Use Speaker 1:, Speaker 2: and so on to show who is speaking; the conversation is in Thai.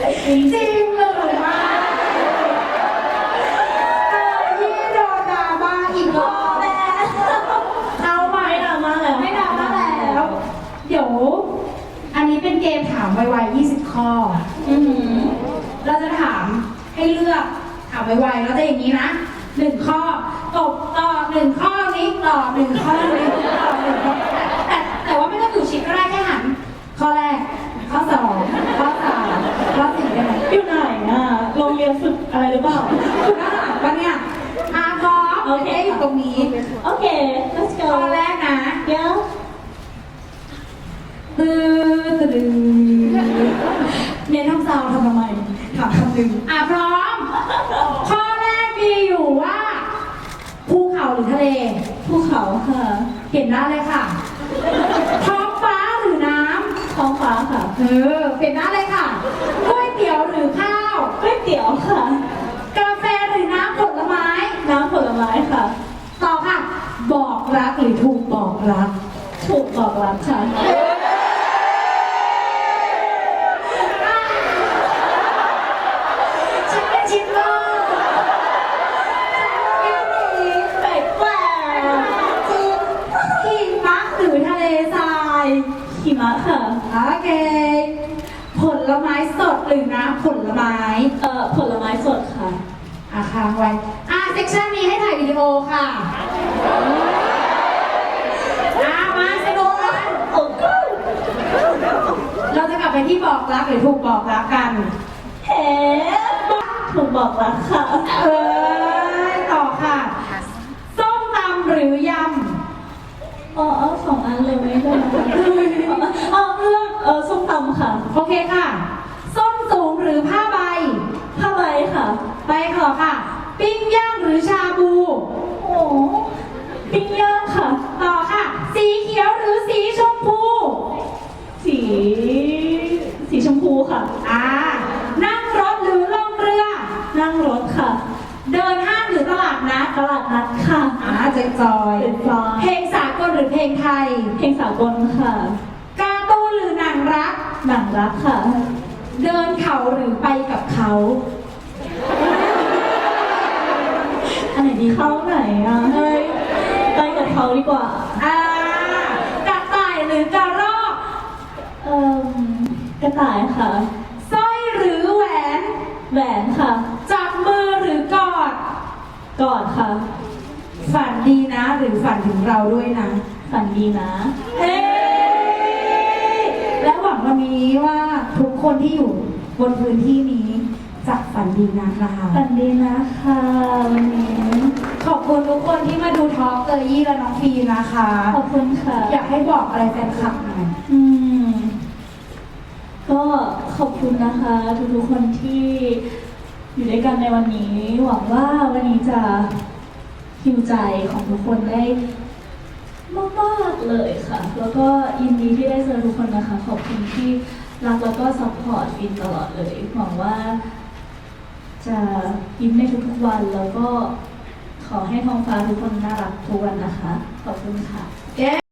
Speaker 1: จริงหรือไม่ยี่โดนดราม่าอีกรอบแล้วเอาไป
Speaker 2: ไม่ดราม่าแล้ว
Speaker 1: ไม่ดราม่าแล้วเดี๋ยวอันนี้เป็นเกมถามไวๆ20 ข้อเราจะถามให้เลือกถามไวๆแล้วจะอย่างนี้นะ1 ข้อตอบ1 ข้อนี้ตอบ1 ข้อนี้ตอบ1 ข้อแต่ว่าไม่ต้องอยู่ชิดก็ได้แค่หันข้อแรกข้อ2ข้อ3ข้อ4ได้ไหม
Speaker 2: อยู่ไหนอ่ะโรงเรียนฝึกอะไรหรือเปล่า
Speaker 1: อยู่ด้านหลังปะเนี่ยพร้อม
Speaker 2: โอเค
Speaker 1: อยู่ตรงนี้
Speaker 2: โอเค let's go
Speaker 1: ข้อแรกนะ
Speaker 2: เดี๋ยว
Speaker 1: ตื้อตึงเน้นทำซาวด์ทำไมถามคำหนึ่งพร้อม ข้อแรกมีอยู่ว่าภูเขาหรือทะเล
Speaker 2: ภูเขาค่ะ
Speaker 1: เห็นหน้าเลยค่ะท้องฟ้าหรือน้
Speaker 2: ท้องฟ้าค่ะ
Speaker 1: ำเห็นหน้าเลยค่ะก๋วยเตี๋ยวหรือข้าว
Speaker 2: ก๋วยเตี๋ยวค่ะ
Speaker 1: กาแฟหรือน้ำผลไม้
Speaker 2: น้ำผลไม้ค่ะ
Speaker 1: ต่อค่ะ บอกรักหรือถูกบอกรัก
Speaker 2: ถูกบอกรักค่ะ
Speaker 1: ฉันเป็นชิปเปอร์ฉันเป็นนี้
Speaker 2: แปลกแปลก
Speaker 1: จริงหิมะหรือทะเลทราย
Speaker 2: หิมะค่ะ
Speaker 1: โอเค ผลไม้สดหรือน้ำผลไม้
Speaker 2: ผลไม้สดค่ะ
Speaker 1: ค้างไว้เซกชันนี้ให้ถ่ายวิดีโอค่ะมาสนุกกัน
Speaker 2: โอ้ก็
Speaker 1: เราจะกลับไปที่บอกรักหรือถูกบอกรักกัน
Speaker 2: เฮ้ถูกบอกรักค่ะ
Speaker 1: ต่อค่ะ ส้มตำหรือย
Speaker 2: เอา2 อันเลยไหมได้ไหมเลือกส้มตำค่ะ
Speaker 1: ำโอเคค่ะ ส้นสูงหรือผ้าใบ
Speaker 2: ผ้าใบค่ะ
Speaker 1: ไปขอค่ะ ปิ้งย่างหรือชาบู
Speaker 2: โอ้ปิ้งย่างค่ะ
Speaker 1: ต่อค่ะ สีเขียวหรือสีชมพู
Speaker 2: สีชมพูค่ะ
Speaker 1: นั่งรถหรือล่องเรือ
Speaker 2: นั่งรถค่ะ
Speaker 1: เดินห้างหรือตลาดนัด
Speaker 2: ตลาดนัดค่ะ
Speaker 1: เจ๊จอย
Speaker 2: เป็นจอย
Speaker 1: เพลงสากลหรือเพลงไทย
Speaker 2: เพลงสากลค่ะ
Speaker 1: การ์ตูนหรือหนังรัก
Speaker 2: หนังรักค่ะ
Speaker 1: เดินเขาหรือไปกับเขา
Speaker 2: อันไหนดีเข้าไหนอ่ะเฮ้ยไปกับเขาดีกว่า
Speaker 1: กระต่ายหรือกระรอก
Speaker 2: กระต่ายค่ะ
Speaker 1: สร้อยหรือแหวน
Speaker 2: แหวนค่ะ
Speaker 1: จับมือหรือกอด
Speaker 2: กอดค่ะ
Speaker 1: ฝันดีนะหรือฝันถึงเราด้วยนะ
Speaker 2: ฝันดีนะ
Speaker 1: เฮ้และหวังวันนี้ว่าทุกคนที่อยู่บนพื้นที่นี้จะฝันดีนะคะ
Speaker 2: ฝันดีนะคะวันนี้
Speaker 1: ขอบคุณทุกคนที่มาดูทอล์กเกอร์ยี่และน้องฟีนะคะ
Speaker 2: ขอบคุณค่ะ
Speaker 1: อยากให้บอกอะไรแฟนคลับหน่อย
Speaker 2: ก็ขอบคุณนะคะทุกๆคนที่อยู่ด้วยกันในวันนี้ หวังว่าวันนี้จะฮิวใจของทุกคนได้มากๆเลยค่ะ แล้วก็ยินดีที่ได้เจอทุกคนนะคะ ขอบคุณที่รักแล้วก็ซัพพอร์ตฟินตลอดเลย หวังว่าจะยิ้มในทุกๆวัน แล้วก็ขอให้ท้องฟ้าทุกคนน่ารักทุกวันนะคะ ขอบคุณค่ะ